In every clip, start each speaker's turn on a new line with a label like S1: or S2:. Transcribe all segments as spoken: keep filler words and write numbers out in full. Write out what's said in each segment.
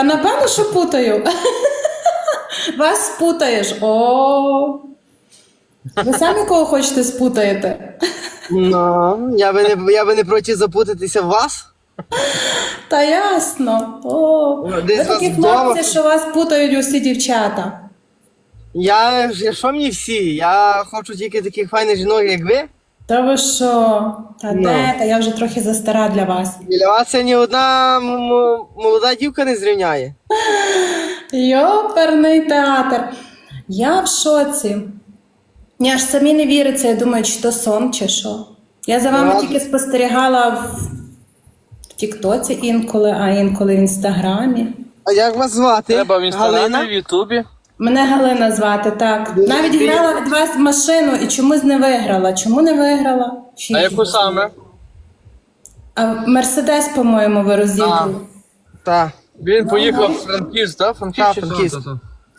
S1: А напевно, що путаю. Вас спутаєш. О. Ви самі кого хочете спутаєте?
S2: Ну, я би не, я би не проти запутатися в вас.
S1: Та ясно. О.
S2: Десь
S1: Ви
S2: вас
S1: такі
S2: вдома.
S1: хлопці, що вас путають усі дівчата.
S2: Я, я що мені всі? Я хочу тільки таких файних жінок, як ви.
S1: Та ви що? Та
S2: Ну.
S1: де? Та я вже трохи застара для вас.
S2: Біля вас це ні одна м- м- молода дівка не зрівняє.
S1: Йоперний театр. Я в шоці. Я ж самі не віриться, я думаю, чи то сон, чи що. Я за вами
S2: Ладно.
S1: тільки спостерігала в, в Тіктоці інколи, а інколи в Інстаграмі.
S2: А як вас звати?
S3: Треба в інстаграмі,
S2: Галина?
S3: в Ютубі.
S1: Мене Галина звати, так. Навіть
S2: ти-
S1: грала від вас машину і чомусь не виграла. Чому не виграла? Фіг
S3: А яку
S1: його знає.
S3: саме?
S1: А Мерседес, по-моєму, ви розіграли.
S2: Так.
S3: Він поїхав в Франківськ, так? Франківськ
S2: Так,
S3: чи
S2: Франківськ.
S3: що?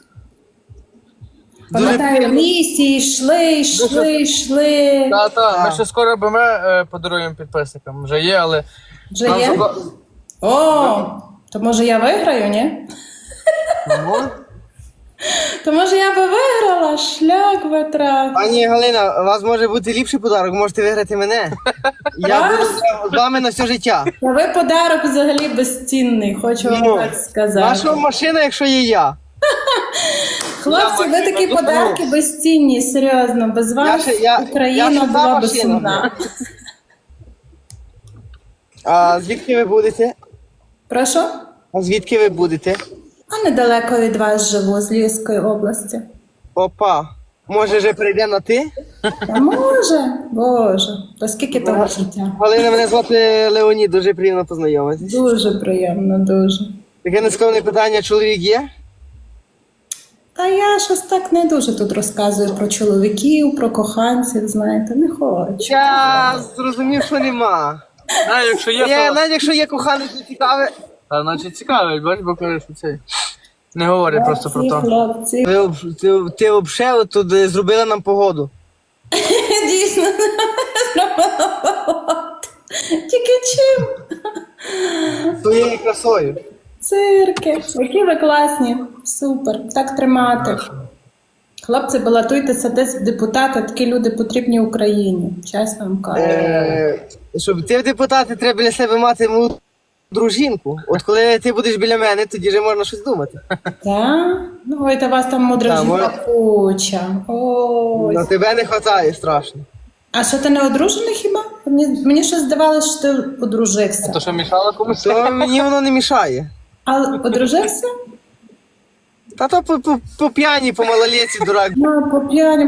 S1: Пам'ятаю, в лісі йшли, йшли, йшли.
S3: Та, та, ми
S2: Так.
S3: ще скоро БМ е, подаруємо підписникам. Вже є, але
S1: Вже
S3: нам
S1: є?
S3: заба-
S1: О, то може я виграю, ні?
S2: Ну.
S1: То може я би виграла, шлях витрав.
S2: Пані Галина, у вас може бути ліпший подарок, можете виграти мене. Я буду з вами на все життя.
S1: Та ви подарок взагалі безцінний, хочу вам
S2: Ну,
S1: так сказати.
S2: Ваша машина, якщо є я.
S1: Хлопці, ви такі подарки безцінні, серйозно. Без вас
S2: ще- я-
S1: Україна
S2: я ще та
S1: була б
S2: машина.
S1: сумна.
S2: А звідки ви будете?
S1: Прошу?
S2: А звідки ви будете?
S1: А недалеко від вас живу, з Львівської області.
S2: Опа. Може вже прийде на ти?
S1: Та може, боже, то скільки того життя?
S2: Галина, мене звати Леонід, дуже приємно познайомитись.
S1: Дуже приємно, дуже.
S2: Таке нескромне питання, чоловік є?
S1: Та я щось так не дуже тут розказую про чоловіків, про коханців, знаєте, не хочу.
S2: Я зрозумів, що нема.
S3: А, якщо є,
S2: Я,
S3: то...
S2: навіть якщо є коханець, не цікаве.
S3: Та, значить цікаво, бач, бо кажеш, що цей. Не говори просто про
S1: Ці
S3: то.
S1: хлопці.
S2: Ви, об- ти, ти взагалі тут е, зробила нам погоду.
S1: Дійсно, зробила. Тільки чим?
S2: Своєю красою.
S1: Цирки. Які ви класні. Супер. Так тримати. Хлопці, балотуйтеся десь в депутати, такі люди потрібні Україні. Чесно вам кажу.
S2: Е, щоб ти в депутати, треба біля себе мати молоду дружинку. От коли ти будеш біля мене, тоді вже можна щось думати.
S1: Так? Ну, ой, та вас там мудра
S2: Та,
S1: жінка
S2: може-
S1: куча. Ой.
S2: На тебе не вистачає страшно.
S1: А що ти не одружений хіба? Мені, мені щось здавалося, що ти одружився.
S3: То що мішало комусь?
S2: То мені воно не мішає.
S1: А одружився?
S2: Та то по, по, по п'яні, по малолетці, дурак.
S1: Ну, по п'яні.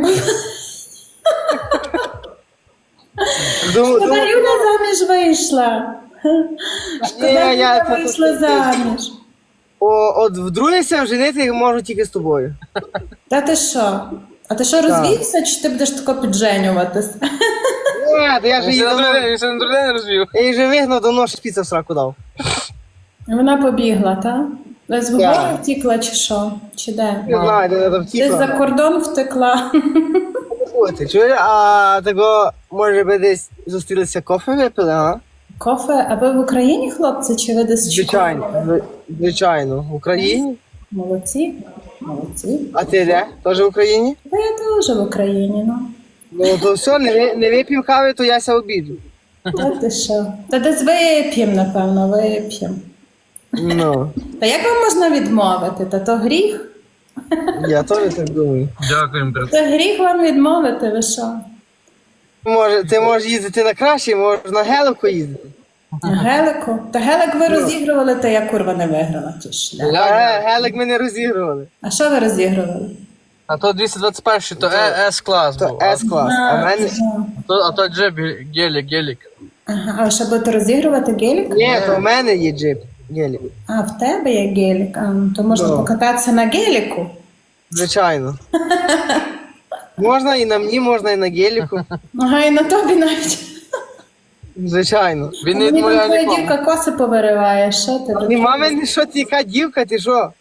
S2: Думаю,
S1: Шкода,
S2: думаю,
S1: Юля заміж вийшла. Шкода,
S2: Ні, я-
S1: Юля
S2: це-
S1: вийшла
S2: це-
S1: заміж.
S2: о, от вдругися женити можу тільки з тобою.
S1: Та ти що? А ти що, розвівся, чи ти будеш тако підженюватись?
S2: Ні, то я ж
S3: Він
S2: її
S3: ще на другий
S2: давно,
S3: день- він ще на другий день розвів.
S2: я її вже вигнав, давно шпіца в сраку дав.
S1: Вона побігла, так? Десь в
S2: Так.
S1: гори втікла, чи що? Чи де?
S2: Не знаю, де вона там
S1: Десь за
S2: втікла.
S1: кордон втекла.
S2: Ти чуєш, а того, може би десь зустрілися кофе випили, а?
S1: Кофе, а ви в Україні, хлопці, чи ви десь в
S2: Звичайно,
S1: Чикаго?
S2: зв- звичайно. В Україні?
S1: Молодці, молодці.
S2: А ти де? Теж в Україні?
S1: Та я теж в Україні, ну.
S2: Ну то все, не, ви- не вип'ємо кави, то я ся обіду.
S1: Та ти що? Та десь вип'єм, напевно, вип'єм.
S2: Ну,
S1: Та як вам можна відмовити? Та то гріх?
S2: я теж так думаю.
S3: Дякуємо, брат.
S1: Та гріх вам відмовити, ви що?
S2: Може, ти можеш їздити на краще, можеш на гелику їздити.
S1: Гелику? Та гелик ви розігрували, то я курва не виграла. Чи шлях.
S2: А ге- гелик ми не розігрували.
S1: А що ви розігрували?
S3: А то двісті двадцять перший, то Е- С-клас
S2: То
S3: був. А
S2: С-клас. А в мене...
S1: ага.
S3: то, а то джеб, гелік, гелік.
S1: Ага. А ви ще будете розігрувати гелік?
S2: Ні, то в мене є джип. Гелік.
S1: А, в тебе є гелік. А, то можна
S2: Да.
S1: покататися на геліку.
S2: Звичайно. Можна і на мені, можна і на геліку.
S1: Ага, і на тобі навіть.
S2: Звичайно.
S3: Він не
S1: Мені там
S3: відмовляє
S1: твоя
S3: нікому.
S1: дівка коси повириває. Що ти?
S2: Ні, мами, що ти, яка дівка, ти що?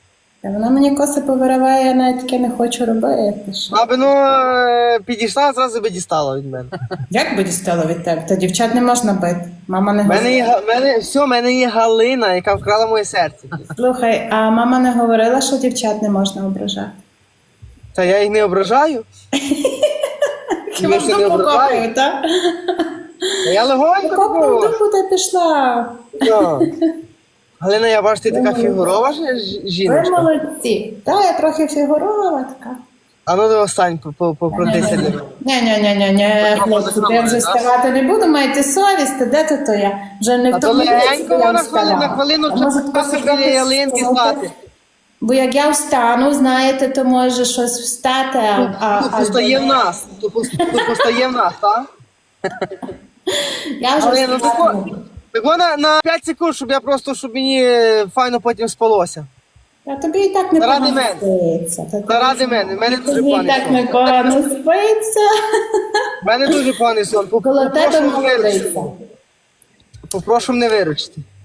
S1: Та вона мені коси повириває, я навіть таке не хочу робити. Що?
S2: Аби ну е, підійшла, зразу би дістала від мене.
S1: Як би дістала від тебе? Та дівчат не можна бити. Мама не
S2: У мене є,
S1: говорила.
S2: Га- мене, все, в мене є Галина, яка вкрала моє серце.
S1: Слухай, а мама не говорила, що дівчат не можна ображати?
S2: Та я їх не ображаю.
S1: Хіба
S2: Я
S1: в
S2: ще не
S1: дупу
S2: ображаю.
S1: копаю, так?
S2: Та я легонько
S1: Копну в
S2: говорю.
S1: дупу, де пішла.
S2: Так. Галина, я бачу, ти така фігурова ж- ж-
S1: Ви
S2: жіночка.
S1: молодці. Та, я трохи фігурова така.
S2: А ну до остань покрутися для мене.
S1: Ні-ні-ні-ні, хлопці, я вже вставати не буду, маєте совість, де то то я? Вже не
S2: А
S1: в
S2: то
S1: тому віці,
S2: легенько
S1: коли я
S2: вона хвилину, на
S1: вставала.
S2: хвилину
S1: А може,
S2: часу
S1: трохи
S2: біля ялинки
S1: трохи
S2: стати.
S1: Бо як я встану, знаєте, то може щось встати, а... а,
S2: Тут
S1: а
S2: постає в нас. Тут пос- тут постає в нас, так?
S1: Я вже
S2: Але ну
S1: встану.
S2: тако, тако на, на п'ять секунд, щоб я просто, щоб мені е, файно потім спалося.
S1: Та тобі і так не
S2: Заради
S1: погано
S2: мене.
S1: спиться. Та тобі-
S2: Заради мене, в мене дуже
S1: Тобі і
S2: поганий
S1: так
S2: сон.
S1: не погано спиться.
S2: В мене дуже поганий сон.
S1: Коло тебе
S2: Попрошу мене
S1: молодиця.
S2: виручити. Попрошу мене виручити.